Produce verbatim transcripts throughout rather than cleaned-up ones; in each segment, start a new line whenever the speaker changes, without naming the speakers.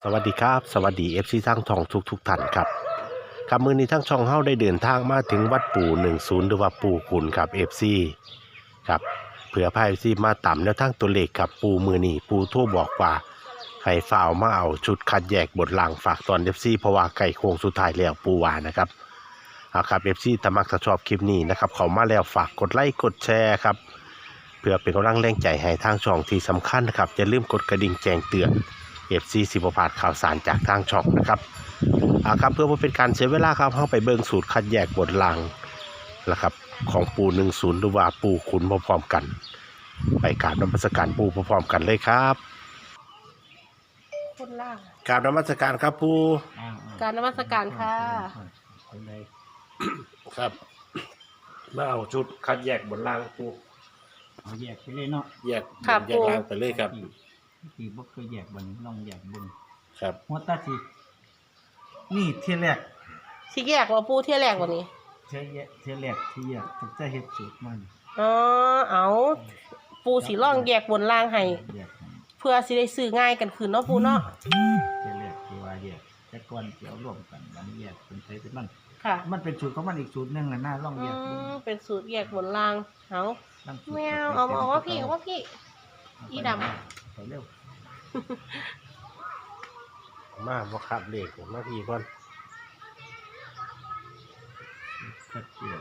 สวัสดีครับสวัสดีเอฟซีทั้งช่องทุกทุกท่านครับครับมือนี้ทั้งช่องเฮาได้เดินทางมาถึงวัดปู่หนึ่งศูนย์หรือว่าปู่ขุนครับเอฟซีครับเผื่อพายเอฟซีมาต่ำแล้วทั้งตัวเลขครับปู่มือนี้ปู่โทั่วบอกว่าให้ฝ่าวมาเอาชุดคัดแยกบทลางฝากตอนเอฟซีเพราะว่าไก่โค้งสุดท้ายแล้วปู่ว่านะครับเอาครับเอฟซีถ้ามักถ้าชอบคลิปนี้นะครับเขามาแล้วฝากกดไลค์กดแชร์ครับเพื่อเป็นกำลังแรงใจให้ทางช่องที่สำคัญนะครับอย่าลืมกดกระดิ่งแจ้งเตือนเอฟซีสิบพาดข่าวสารจากทางช่องนะครับเอาครับเพื่อเป็นการเสียเวลาครับเข้าไปเบิ่งสูตรคัดแยกบทลางนะครับของปูหนึ่งศูนย์หรือว่าปูขุนพร้อมๆกัน ไปกราบนมัสการปูพร้อมๆกันเลยครับ
คนล่าง
กราบนมัสการครับปู
การนมัสการค่ะ
ครับมาเอาชุดคัดแยกบทลางปู
เอาแยกไปเลยเนาะ
แยกแยกลางไปเลยครับ
ที่บ่เคยแยกบนลองแยกบน
ครับ
หัวตาสินี่เที่ยแรก
สิแยกว่าปูเที่ยแรกวันนี้
เที่ยแยกเที่ยแรกที่แยกตั้งแต่เฮ็ดสูตรมัน
อ๋อเอาปูสีร่องแยกบนล่างให้
แยกให้
เพื่อสิได้ซื้อง่ายกันคืนเนาะปูเนาะ
เที่ยแรกที่ว่าแยกแต่ก่อนเกี่ยวรวมกันมันแยกเป็นไผเป็นมัน
ค่ะ
มันเป็นสูตรของมันอีกสูตรหนึงน่ะน่าลอง
อื
แยกบน
มเป็นสูตรแยกบนล่างเอา
ลองสูตร
แมวเอาเอาว่าพี่เอาว่าพี่ อีด
ไปเร็ว
มาบ่ครับเลขมาพี่ก่อน
คัดเกี่ยว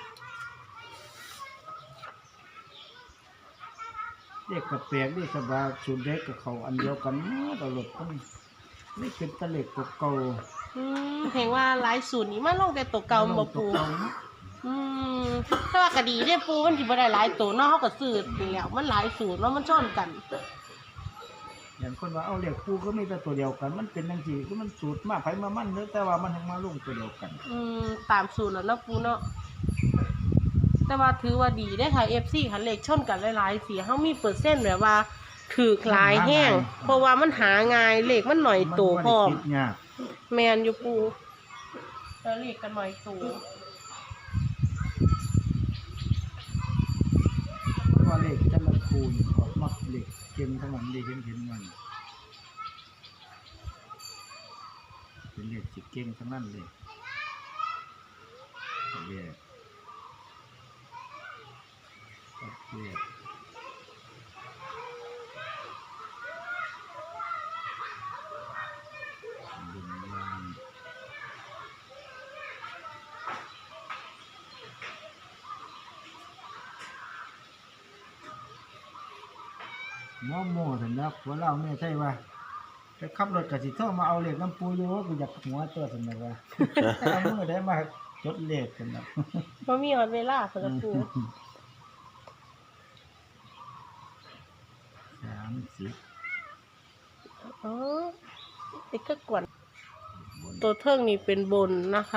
เด็กกับแปลกนี่สบายสูตรเด็กกับเขาอันเดียวกันตลอดก็นี่เป็นตะเล็กเก่า
อืมเห็นว่าหลายสูตรนี้มาลงแต่ตัวเก่าบ่ปูอืมถ้าว่ากะดีเด้ปูมันสิบ่ได้หลายตัวเนาะเฮาก็ซื้อนี่แหล้วมันหลายสูตรเนาะมันชนกัน
อย่างคนว่าเอาเหล็กปูก็มีแต่ตัวเดียวกัน มันเป็นจังซี่คือมันสูตรมาไผมามันเด้อแต่ว่ามันทั้งมาลงตัวเดียวกัน
อืมตามสูตรแล้วเนาะปูเนาะแต่ว่าถือว่าดีได้อค่ะ เอฟ ซี ค่ะเลขชนกันหลายๆสีเฮามีเปอร์เซ็นต์แบบว่าถือหลายแห้งเพราะว่ามันหาง่ายเลขมันหน่อยโตพร้อม
นบ่ได้คิดยาก
แมนอยู่ปูแล้วเลขกันหน่อยโต
เพราะว่าเหล็กแต่ละคูณออกมาเหล็กเก่งทั้งนั้นได้เห็นเห็นมันเป็นเหล็กสิเก่งทั้งนั้นเลยแยกแยกดึงยางหม้อโม่ถึงแล้วหัวเราแม่ใช่ว่าจะขับรถกับสิโทรมาเอาเหล็กน้ำปูอยู่ว่ากูอยากหัวตัวสมมติว่าเอามือได้มาจดเหล็กกันนะ
บ่มีฮอดเวลาสำหรับปู
สามสิบ
อ๋อไอ้ก็กวน
บน
ตัวเทิงนี่เป็นบนนะคะ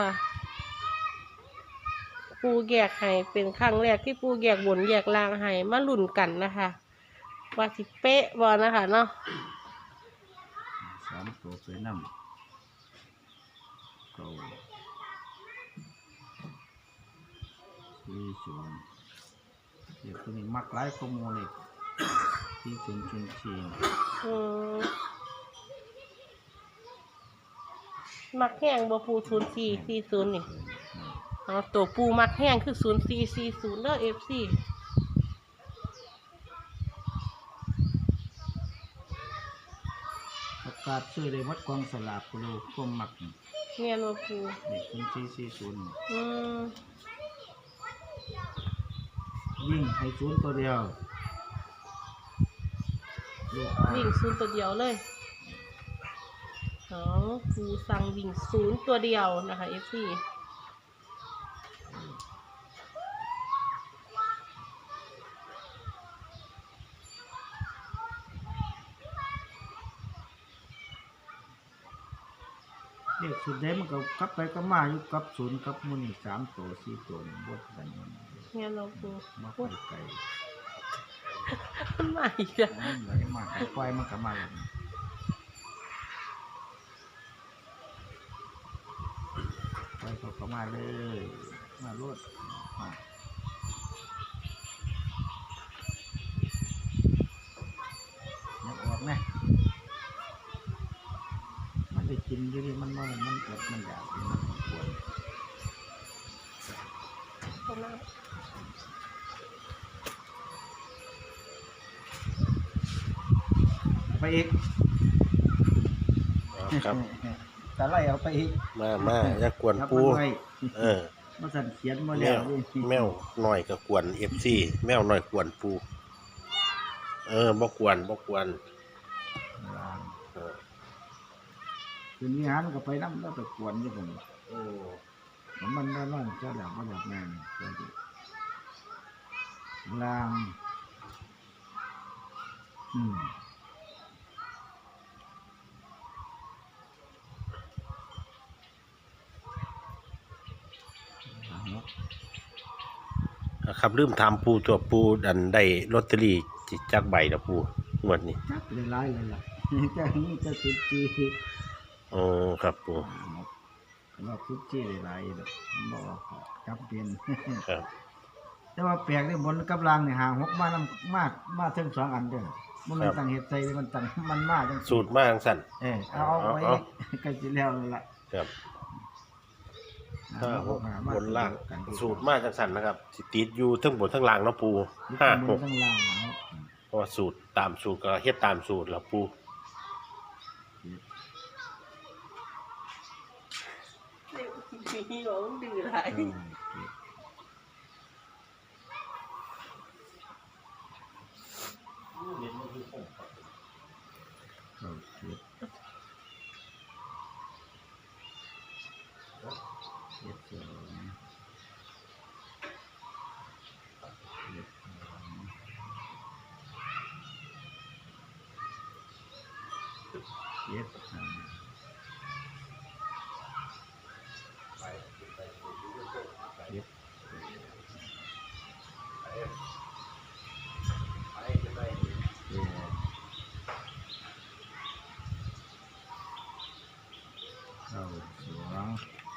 ปูแยกให้เป็นครั้งแรกที่ปูแยกบนแยกล่างให้มาลุ้นกันนะคะว่าสิเป๊ะบ่นะคะเนาะ
สามตัวไปนำเก้าสี่ศูนย์เดี๋ยวตัวนี้มักหลายข้อมูลเลยสี่ศูนย์ศูนย์สี่
อืมมักแห้งบ่ปูศูนย์สี่สี่ศูนย์นี่เอาตัวปูมักแห้งคือศูนย์สี่สี่ศูนย์เด้อเอฟซี
ประกาศชื่อเลยวัดกองสลากกูรู้ก้มมักนี่
เงียนบ่ปู
นี่ศูนย์สี่สี่ศูนย์
อืม
ยิ่งให้ศูนย์ตัวเดียวลูก
วิ่งศูนย์ตัวเดียวเลยเอาปูสั่งวิ่งศูนย์ตัวเดียวนะคะเอฟซี
เด็กสุดได้มันก็กลับไปก็มาอยู่กับศูนย์กับมูนี่สามตัวสี่ตัวนี่บดกันมัน
เงียนบ่ปู
มาไปไกล
มันมาอีกแล้ว
มันไหลมากไฟมันก็มาแล้วไฟเขาก็มาเลยมารถมานักออกนะกินอยู่นี่มันมันมันอดมันอยากมันปวด
ตรงนั้น
ไปอีก
เอาครับ
ตะไล่เอาไปอีก
มามาอย่ากวน
ครับ
ปู
มันไว้
เออ
มาสั่นเขียนมา
แม
แล้ว
ว
นี่
แมวหน่อยก็กวน เอฟ ซี แมวหน่อยกวนปูเออบ่กวนบ่กวนเออ
คืนนี้หันก็ไปน้ำแล้วไปกวนอยู่ผม
โอ้
มันได้ร้อนเจ้าแล้วก็แบบนั้นเจ้าดิลางอืม
ครับลืมถามปูตัวปูดันได้ลอตเตอรี่จิจักใบละปูงวดนี้
จักเลยร้ายเลยล่ะ เจ้านี่เจะสุดจี
โอ้ครับปู
ว่าสุดจีเลยร้ายเลยบอกว่าจับเป็น
ครับ
แต่ว่าแปลกที่บนกับล่างเนี่ยหาหกมานํมามาถึงสองอันเด้อมันมันตั้งเห็ดใจมันตั้งมันมาจัง
สูตรมาจังสั่น
เออเอาเอาไว้
เอา
ใกล้สิแล้วนั่นล่ะ
ครับห้าหก
หา
บนล่าง
กันดีกว่
สูตรมาจังสั่นนะครับสิติดอยู่ทั้งบนทั้งล่างเนาะปู
ยึด
ห้า
บ
ห
น
ก
ทั้งล่างเอา
เพราะว่าสูตรตามสูตรก็เฮ็ดตามสูตรละปู
มีหลงดื้อหลาย
เออเข้าเก็บเก็บสองเก็บสองเก็บสามเก็บ เข้าสอง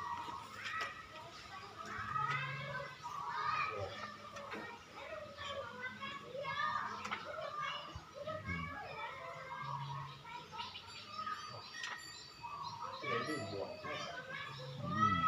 อืม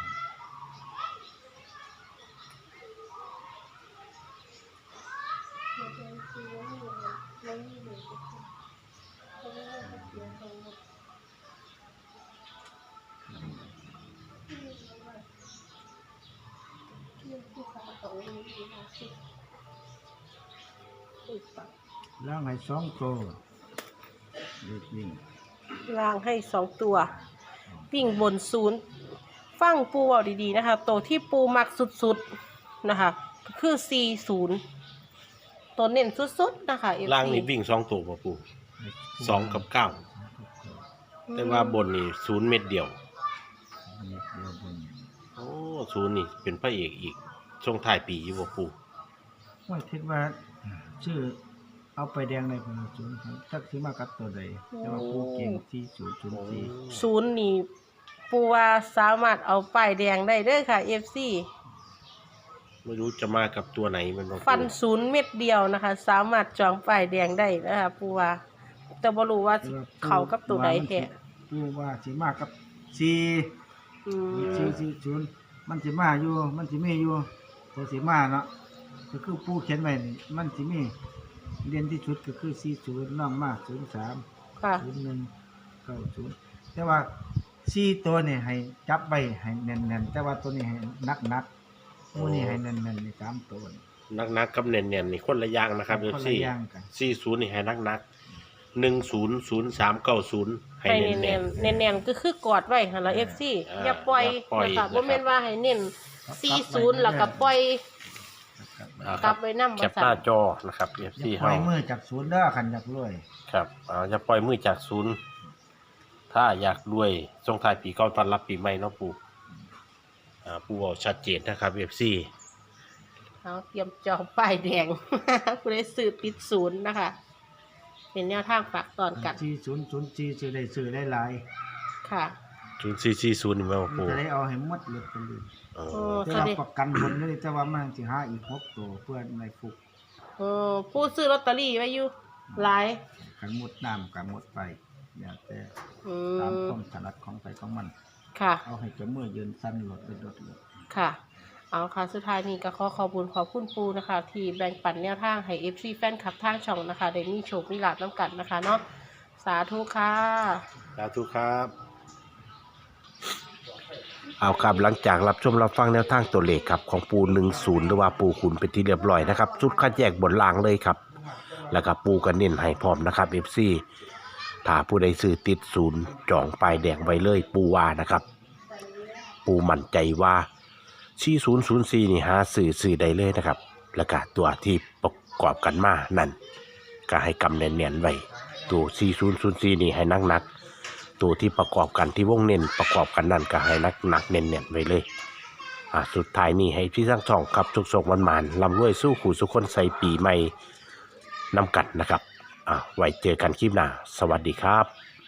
ล่างให้สองตัวเล็กวิ่ง
ล่างให้สองตัววิ่งบนศูนย์ฟังปูเอาดีๆนะคะตัวที่ปูมักสุดๆนะคะคือสี่ศูนย์ตัวเน้นสุดๆนะคะ เอฟ
ล่าง
ซี
นี่วิ่งสองตัวบ่ปูสองกับเก้าแต่ว่าบนนี่ศูนย์เม็ดเดียว
เม็ดเดียวบน
โอ้ศูนย์นี่เป็นพระเอกอีกช่วงท้ายปีอยู่บ่ปู
ว่าคิดว่าชื่อเอาไปแดงในคนศูนย์จักสิมากับตัวใดแต่ว่าผู้เก่งที่ศูนย์ศูนย์สี่
ศูนย์นี่ปูว่าสามารถเอาป้ายแดงได้เด้อค่ะ เอฟ ซี
ไม่รู้จะมากับตัวไหนมันบ่ปู
ฟันศูนย์เม็ดเดียวนะคะ สามารถจองป้ายแดงได้นะคะปูว่าแต่บ่รู้ว่าสิเข้ากับตัวใดแท้
ผู้ว่าสิมากับสี่
อืม
สี่สี่ศูนย์มันสิมาอยู่มันสิมีอยู่ตัวสิมาเนาะก็คือผู้เขียนไว้นี่มันสิมีเด่นที่สุดก็คือสี่ศูนย์น้องมาศูนย์สาม
ค่ะ
ศูนย์หนึ่งเก้าศูนย์แต่ว่าสี่ตัวนี่ให้จับไว้ให้แน่นๆแต่ว่าตัวนี้ให้นักๆตัวนี้ให้แน่นๆในสามตัวนี่
นักๆกับเน่นๆนี่คนละอย่างนะครับ
คน
เอ
ละ
ฟ ซี
อย่างกัน
สี่ศูนย์นี่ให้นักๆหนึ่งศูนย์ศูนย์สามเก้าศูนย์ให้
ให้
เน่
เน้
น
นๆเน้นๆก็คือกอดไว้หั่นล่ะ เอฟ ซี
อ่า
อย่าปล่อย
อย่าปล่อย
นะคะ
นะครับ
บ่แม่นว่าให้เน้นสี่ศูนย์แล้วก็ปล่อย
ๆอ่าก ค
ลั
รั
บบ ไว้นำ
แค
บ่
ปห
ซั่
น้าน จอนะครับเอฟ
อ
ซี
ย่าปล่
เฮา
อยมือจากศูนย์เด้อขันอยากรวย
ครับอ่าอย่าปล่อยมือจากศูนย์ถ้าอยากรวยส่งท้ายปีเก่าต้อนรับปีใหม่เนาะปู่อ่าปู่เอาชัดเจนนะครับเอฟซี
เอาเตรียมจองป้ายแดง ผู้ใดซื้อปิดศูนย์นะคะ เป็นแนวทางฝากตอนกัน
ที่ศูนย์ศูนย์สี่ซื้อได้ซื้อได้หลาย
ค่ะ
ศูนย์สี่สี่ศูนย์นี่แม่นบ่
มัน
ปู่
จะได้เอาให้หมดเลยไปเลย
เอ
โอ้
อ
แต่ว่าประกันผลนี่แต่ว่ามันสิหาอีกหกตัวเพื่อในฟุก
เออผู้ซื้อลอตเตอรี่ไว้อยู่หลาย
กันหมดน้ำกันหมดไฟอยากแต่
อื
ตาม
ม
ความถนัดของใครของมัน
ค่ะ
เอาให้เจ้ามือยืนสั้นหลดไปหลดเลย
ค่ะ เอาค่ะ สุดท้ายนี้ก็ขอขอบคุณขอบคุณปูนะคะ ที่แบ่งปันแนวทางให้ เอฟ ซี แฟนคลับทางช่องนะคะได้มีโชคมีลาภน้ำกันนะคะเนาะ สาธุค่ะ
สาธุครับเอาครับหลังจากรับชมรับฟังแนวทางตัวเลขครับของปูหนึ่งศูนย์หรือว่าปูขุนเป็นที่เรียบร้อยนะครับชุดคัดแยกบนล่างเลยครับแล้วก็ปูกันเน้นให้พร้อมนะครับ เอฟ ซี ถ้าผู้ใดซื้อติดศูนย์จองปลายแดงไว้เลยปูว่านะครับ ปูมั่นใจว่าชี้ศูนย์ศูนย์สี่นี่หาสื่อสื่อได้เลยนะครับ แล้วก็ตัวที่ประกอบกันมานั่นก็ให้กำเนียนๆไว้ตัวสี่ศูนย์ศูนย์สี่นี่ให้นักนักๆตัวที่ประกอบกันที่วงเน้นประกอบกันนั่นก็ให้นักหนักๆเน้นๆไว้เลยอ่าสุดท้ายนี่ให้พี่ทั้งสองครับสุกสกวันมานลำรวยสู้ขู่สุขคนใส่ปีใหม่นำกัดนะครับอ่าไว้เจอกันคลิปหน้าสวัสดีครับ